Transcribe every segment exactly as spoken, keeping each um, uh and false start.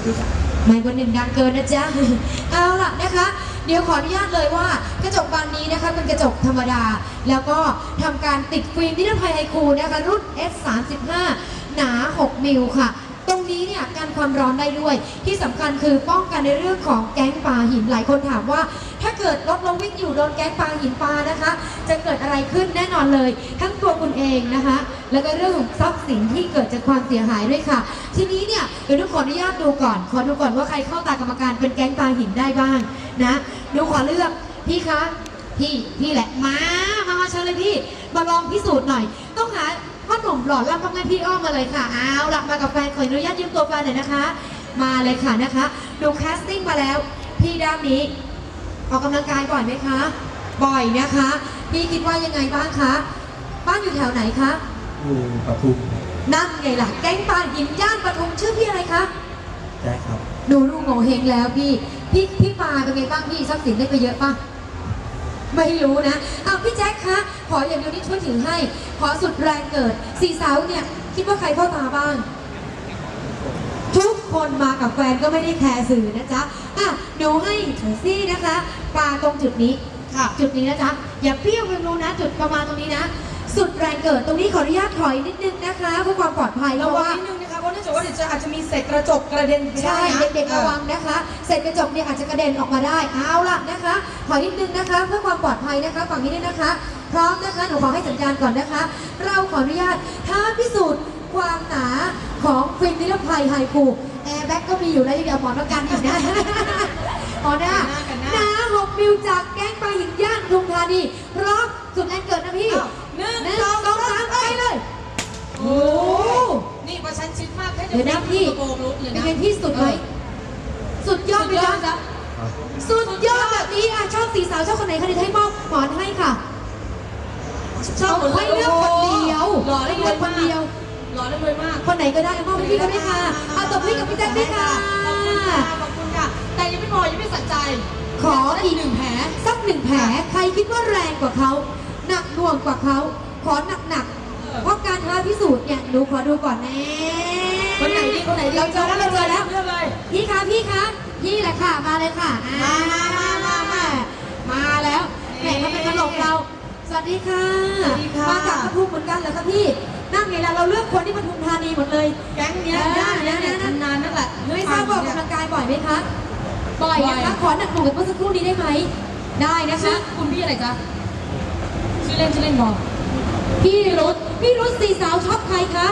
ไม่บนหนึ่งดังเกินนะจ๊ะ เอาล่ะนะคะเดี๋ยวขออนุญาตเลยว่ากระจกบานนี้นะคะเป็นกระจกธรรมดาแล้วก็ทำการติดฟิล์มนิรภัยไฮคูนะคะรุ่น เอส สามสิบห้า หนา หก มิลค่ะตรงนี้เนี่ยกันความร้อนได้ด้วยที่สำคัญคือป้องกันในเรื่องของแก๊งปลาหินหลายคนถามว่าถ้าเกิดรถเราวิ่งอยู่โดนแก๊งปลาหินปลานะคะจะเกิดอะไรขึ้นแน่นอนเลยทั้งตัวคุณเองนะคะแล้วก็เรื่องของทรัพย์สินที่เกิดจากความเสียหายด้วยค่ะทีนี้เนี่ยเดี๋ยวดูขออนุญาตดูก่อนขอดูก่อนว่าใครเข้าตากรรมการเป็นแก๊งปลาหินได้บ้างนะดูขอเลือกพี่คะพี่พี่แหละมามามาเชิญเลยพี่มาลองพิสูจน์หน่อยต้องหาพ่อหนุ่มหล่อล่ำทำงานพี่อ้อมมาเลยค่ะเอาล่ะมากับแฟนขออนุญาตยืมตัวแฟนหน่อยนะคะมาเลยค่ะนะคะดูแคสติ้งมาแล้วพี่ด้านนี้ออกกำลังกายบ่อยไหมคะบ่อยนะคะพี่คิดว่ายังไงบ้างคะบ้านอยู่แถวไหนคะอยู่ปทุมนั่นไงล่ะแก๊งปลาหินย่านปทุมชื่อพี่อะไรคะแจ็คครับดูลูกโง่เฮงแล้วพี่พี่พี่ปลาเป็นไงบ้างพี่ทรัพย์สินได้ไปเยอะป่ะไม่รู้นะเอาพี่แจ็คคะขออย่างเดียวนี้ช่วยถือให้ขอสุดแรงเกิดสี่สาวเนี่ยคิดว่าใครเข้าตาบ้างทุกคนมากับแฟนก็ไม่ได้แคร์สื่อนะจ๊ะอ่ะดูให้ซี่นะคะปลาตรงจุดนี้ค่ะจุดนี้นะจ๊ะอย่าเปรี้ยวไปรู้นะจุดประมาณตรงนี้นะสุดแรงเกิดตรงนี้ขออนุญาตถอยนิดนึงนะคะเพื่อความปลอดภัยระวังนิดนึงนะคะเพราะเนื่องจากว่าเดี๋ยวจะอาจจะมีเศษกระจกกระเด็นใช่เด็กๆระวังนะคะเศษกระจกเนี่ยอาจจะกระเด็นออกมาได้เอาล่ะนะคะถอยนิดนึงนะคะเพื่อความปลอดภัยนะคะฝั่งนี้ด้วยนะคะพร้อมนะคะหนูขอให้สัญญาณก่อนนะคะเราขออนุญาตท้าพิสูจน์ความหนาของฟิล์มนิรภัยไฮคูแอร์แบ็กก็มีอยู่แล้วยังเดี๋ยวหมอนประกันอีกนะหมอหน้าหนาหกมิลจากแก๊งปลาหินย่านปทุมธานีพร้อมสุดแรงเกิดนะพี่หนึ่งสองสามไปเลยโอ้นี่ประชันชิดมากแค่เดี๋ยวนะพี่เป็นไงพี่สุดไหมสุดยอดไหมจ๊ะสุดยอดแบบนี้อ่ะชอบสีสาวชอบคนไหนคะเดี๋ยวให้มอบหมอนให้ค่ะชอบให้เลือกคนเดียวหล่อได้เลยคนเดียวหล่อได้เลยมากคนไหนก็ได้มอบให้พี่ก็ได้ค่ะเอาตบพี่กับพี่แจ็คด้วยค่ะขอบคุณค่ะแต่ยังไม่พอยังไม่สัใจขออีกหนึ่งแผลสักหนึ่งแผลใครคิดว่าแรงกว่าเขาหนักหน่วงกว่าเขาขอหนักหนักเพราะการท้าพิสูจน์เนี่ยดูขอดูก่อนแน่คนไหนดีคนไหนดีเราเจอแล้วเราเจอแล้วเลือกเลยพี่คะพี่คะพี่แหละค่ะมาเลยค่ะมามามามามามาแล้วแหมเขาเป็นตลกเราสวัสดีค่ะมาจากปทุมเหมือนกันเหรอคะพี่นั่งไงล่ะเราเลือกคนที่ปทุมธานีหมดเลยแก๊งนี้ได้นะนานนั่นแหละไม่ทราบว่าออกกำลังกายบ่อยไหมคะบ่อยนะคะขอหนักหน่วงกับเมื่อสักครู่นี้ได้ไหมได้นะคะคุณพี่อะไรจ๊ะชื่อเล่นชื่อเล่นบอกพี่รุธพี่รุธสี่สาวชอบใครคะ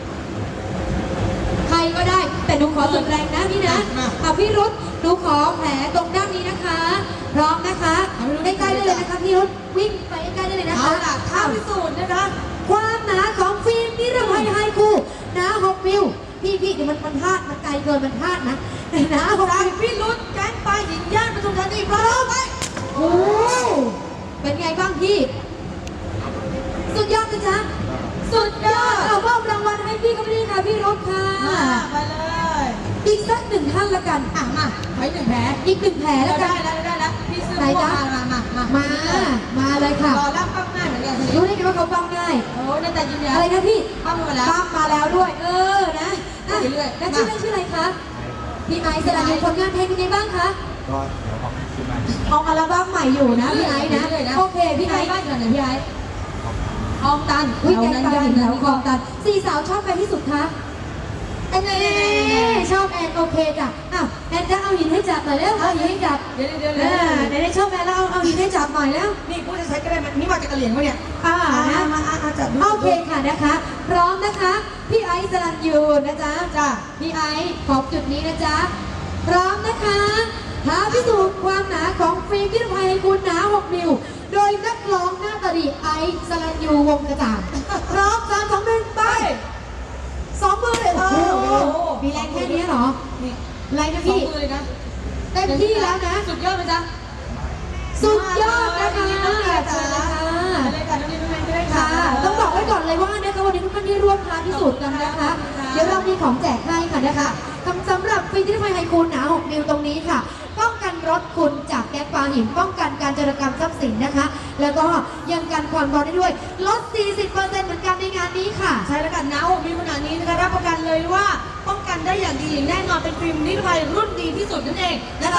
ใครก็ได้แต่หนูขอสุดแรงนะพี่นะเอาพี่รุธหนูขอแผลตรงด้านนี้นะคะพร้อมนะคะใกล้ๆได้เลยนะคะพี่รุธวิ่งไปใกล้ๆได้เลยนะคะเอาล่ะท้าพิสูจน์นะคะความหนาของฟิล์มนิรภัยไฮคูหนาหกมิลพี่พี่เดี๋ยวมันมันพลาดมันไกลเกินมันพลาดนะหนาหกมิลพี่รุธแก๊งปลาหินย่านปทุมธานีพร้อมไหมโอ้เป็นไงบ้างพี่สุดยอดนะจ๊ะสุดยอดเอามอบรางวัลให้พี่ก็ไม่ได้ค่ะพี่รุธค่ะไปเลยอีกสักหนึ่งท่านละกันอ่ะมาไว้หนึ่งแผลอีกหนึ่งแผลแล้วกันได้แล้วได้แล้วพี่ซื้อมามามามามามาเลยค่ะรอรับปั้มง่ายเหมือนกันรู้ได้ไงว่าเขาปั้มง่ายโอ้นั่นแต่ยืนยันอะไรนะพี่ปั้มมาแล้วปั้มมาแล้วด้วยเออนะเรื่อยๆแล้วชื่อเล่นชื่ออะไรคะพี่ไอซ์สระบุผลงานเพลงเป็นไงบ้างคะก็เดี๋ยวออกขึ้นมาออกอัลบั้มใหม่อยู่นะพี่ไอซ์นะโอเคพี่ไอซ์บ้านกันไหนพี่ไอซ์คลองตันวิ่งแกงตันแล้วคลองตันสี่สาวชอบใครที่สุดคะแอนชอบแอนโอเคจ้ะอ้าวแอนจะเอาหินให้จับหน่อยแล้วเอาหินให้จับเดี๋ยวเดี๋ยวเดี๋ยวเดี๋ยวชอบแอนแล้วเอาเอาหินให้จับหน่อยแล้วนี่พูดจะใช้ก็ได้นี่มาจากกะเหรี่ยงปะเนี่ยอ่านะมาอาจับโอเคค่ะนะคะพร้อมนะคะพี่ไอซ์สรัญยูนะจ๊ะจ้ะพี่ไอซ์ขอบจุดนี้นะจ๊ะพร้อมนะคะท้าพิสูจน์ความหนาของฟิล์มนิรภัยไฮคูหนาหกมิลโดยนักร้องหน้าตาดีไอซ์สรัญยูวงกระจ่างพร้อมสามสองหนึ่งไปสองมือเลยโอ้มีแรงแค่นี้เหรอแรงนะพี่เต็มที่แล้วนะสุดยอดไหมจ๊ะสุดยอดนะคะเชิญเลยค่ะต้องบอกไว้ก่อนเลยว่านะคะวันนี้ทุกท่านที่ร่วมท้าพิสูจน์กันนะคะเดี๋ยวเรามีของแจกให้ค่ะนะคะสำหรับฟิล์มนิรภัยไฮคูหนาหกมิลตรงนี้ค่ะป้องกันรถคุณจากแก๊สปลาหินป้องกันการโจรกรรมทรัพย์สินนะคะแล้วก็ยังกันความร้อนได้ด้วยลด สี่สิบเปอร์เซ็นต์ เหมือนกันในงานนี้ค่ะใช่แล้วกันหนาหกมิลขนาดนี้นะคะรับประกันเลยว่าป้องกันกันได้อย่างดีแน่นอนเป็นฟิล์มนิรภัยรุ่นดีที่สุดนั่นเองนะคะ